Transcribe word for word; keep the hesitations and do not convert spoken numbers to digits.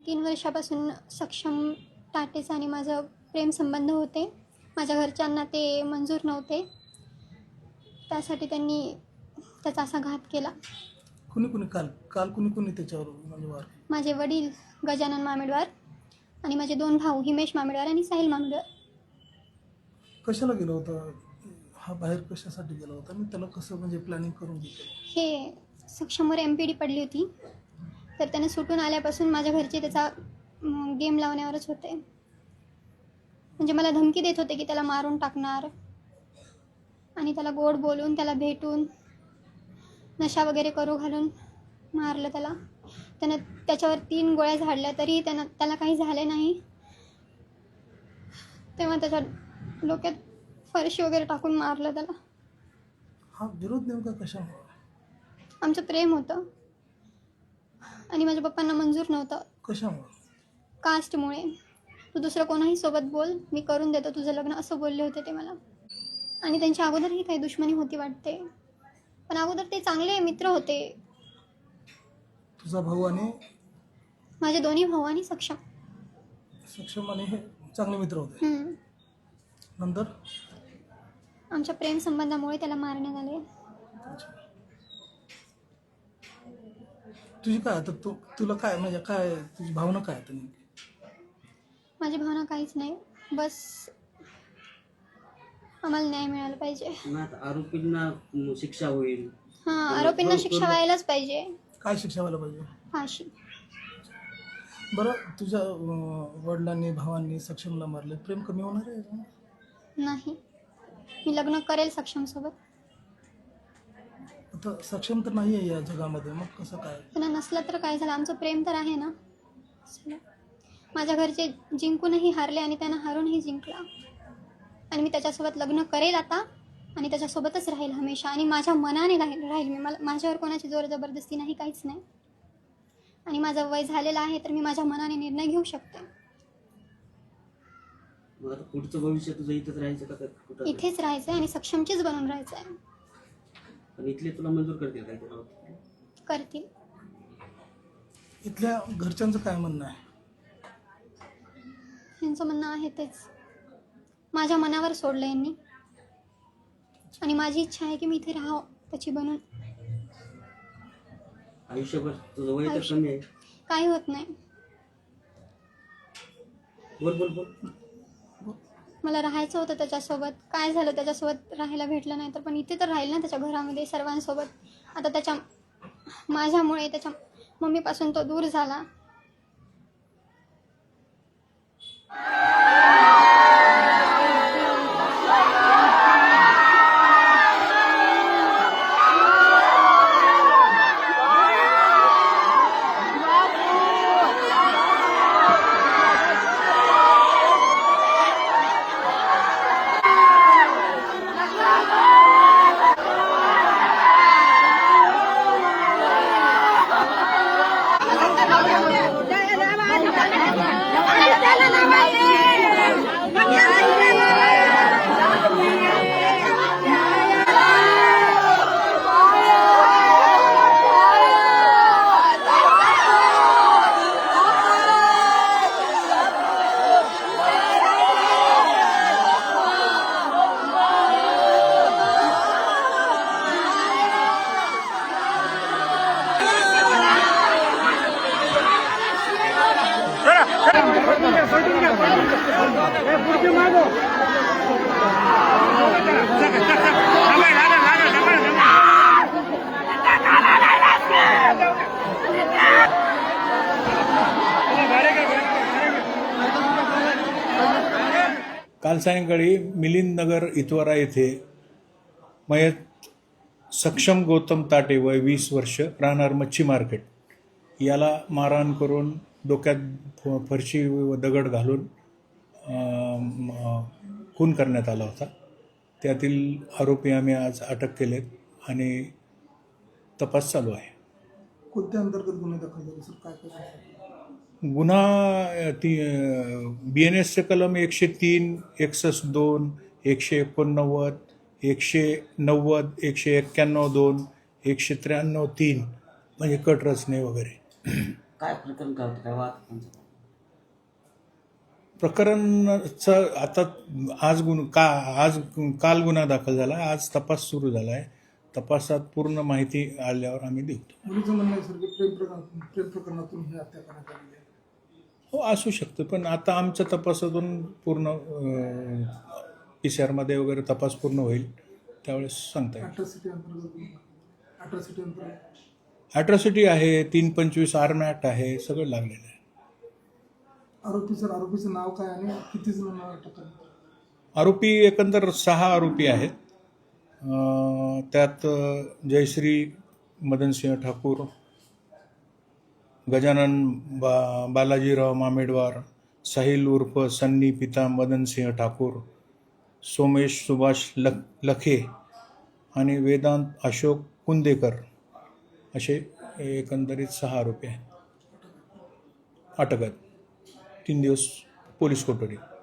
तीन वर्षापासून सक्षम टाटेचा आणि माझं प्रेमसंबंध होते. माझ्या घरच्यांना ते मंजूर नव्हते. त्यासाठी त्यांनी त्याचा असा घात केला. कुणी कुणी काल काल कुणी कुणी त्याच्यावर म्हणजे वार? माझे वडील गजानन मामेडवार आणि माझे दोन भाऊ हिमेश मामेडवार आणि साहिल मामेडवार. कशाला गेला होता हा बाहेर, कशासाठी गेला होता आणि त्याला कसं म्हणजे प्लॅनिंग करून घेतलं? हे सक्षमवर एम पी डी पडली होती, तर त्याने सुटून आल्यापासून माझ्या घरचे त्याचा गेम लावण्यावरच होते. म्हणजे मला धमकी देत होते की त्याला मारून टाकणार आणि त्याला गोड बोलून त्याला भेटून नशा वगैरे करू घालून मारलं त्याला. त्यानं त्याच्यावर तीन गोळ्या झाडल्या तरी त्यानं त्याला काही झाले नाही. तेव्हा त्याच्या डोक्यात फरशी वगैरे टाकून मारलं त्याला. हा विरोध नेमका कशामुळे? आमचं प्रेम होतं आणि माझ्या पप्पांना मंजूर नव्हतं. कशामुळे? कास्टमुळे. तू दुसरं कोणाही सोबत बोल, मी करून देतो तुझं लग्न, असं बोलले होते ते मला. आणि त्यांच्या अगोदरही काही दुश्मनी होती वाटते, पण अगोदर ते चांगले मित्र होते. तुझा भाऊ आणि माझे दोन्ही भाऊ आणि सक्षम सक्षम आणि हे चांगले मित्र होते. हम्म. नंतर आमच्या प्रेम संबंधामुळे त्याला मारण्यात आले. तुझी काय आता तू तुला काय म्हणजे काय तुझी भावना काय आता नेमकी? माझी भावना काहीच नाही, बस आम्हाला न्याय मिळाला पाहिजे. आरोपींना शिक्षा होईल. हां, आरोपींना शिक्षा व्हायलाच पाहिजे. काय शिक्षा व्हायला पाहिजे? फाशी. बरं, तुझ्या अं, वडिलांनी भावांनी सक्षमला मारले, प्रेम कमी होणार आहे? नाही, मी लग्न करेल सक्षमसोबत. आता सक्षम तर नाही आहे या जगामध्ये, मग कसं काय? त्यांना नसलं तर काय झालं, आमचं प्रेम तर आहे ना. चला. माझ्या घरचे जिंकूनही हारले आणि त्यांना हारूनही जिंकला. आणि मी त्याच्यासोबत लग्न करेल आता आणि त्याच्यासोबतच राहील हमेशा. आणि माझ्या मनाने राहील राहील मी. मला माझ्यावर कोणाची जोर जबरदस्ती नाही, काहीच नाही. आणि माझं वय झालेलं आहे तर मी माझ्या मनाने निर्णय घेऊ शकते. मग आता पुढचं भविष्य तुझं इथेच राहायचं का कुठं? इथेच राहायचं आहे आणि सक्षमचीच बनून राहायचं आहे. पण इथले तुला मंजूर करतील काय ते? करतील. इथल्या घरच्यांचं काय म्हणणं आहे? यांचं म्हणणं आहे तेच. माझ्या मनावर सोडलं यांनी आणि माझी इच्छा आहे की मी इथे राहावं त्याची बनून. आयुष्यभर तुझं वय तर आयुष्य- कमी आहे. काही होत नाही. बोल बोल बोल. मला राहायचं होतं त्याच्यासोबत. काय झालं, त्याच्यासोबत राहायला भेटलं नाही तर पण इथे तर राहील ना त्याच्या घरामध्ये सर्वांसोबत. आता त्याच्या माझ्यामुळे त्याच्या मम्मीपासून तो दूर झाला. काल सायंकाळी मिलिंद नगर इतवारा येथे मयत सक्षम गौतम ताटे वय वीस वर्ष राहणार मच्छी मार्केट याला मारहाण करून डोक्यात फरशी व दगड घालून खून करण्यात आला होता. त्यातील आरोपी आम्ही आज अटक केलेत आणि तपास चालू आहे. कोणत्या अंतर्गत गुन्हे दाखल झाले सर? काय काय? गुन्हा ती बी एन एसचे कलम एकशे तीन एकसष्ट दोन एकशे एकोणनव्वद एकशे नव्वद एकशे एक्क्याण्णव दोन एकशे त्र्याण्णव तीन म्हणजे कट रचने वगैरे. काय प्रकरण काय होतं, काय वाद त्यांचं? प्रकरणाचं आता आज गुन्हा का आज काल गुन्हा दाखल झाला, आज तपास सुरू झाला आहे. तपासात पूर्ण माहिती आल्यावर आम्ही देऊ. मुलीचं म्हणणं आहे सर की प्रेम प्रकरण प्रेम प्रकरणातून ही हत्या करण्यात आलेली आहे. हो असू शकतं, पण आता आमच्या तपासातून पूर्ण पी सी आरमध्ये वगैरे तपास पूर्ण होईल त्यावेळेस सांगता येईल. अट्रॉसिटी अंतर्गत अट्रॉसिटी अंतर्गत ॲट्रॉसिटी आहे, तीन पंचवीस आर्म ॲक्ट आहे, सगळं लागलेलं आहे. आरोपी सर आरोपीचं नाव काय आणि किती जणांना अटक करण्यात आली? आरोपी एकंदर सहा आरोपी आहेत. अं, त्यात जयश्री मदनसिंह ठाकूर, गजानन बा बालाजीराव मामेडवार, साहिल उर्फ सन्नी पिता मदनसिंह ठाकूर, सोमेश सुभाष लख लखे आणि वेदांत अशोक कुंदेकर असे एकंदरीत सहा आरोपी आहेत. अटक आहेत. तीन दिवस पोलीस कोठडी.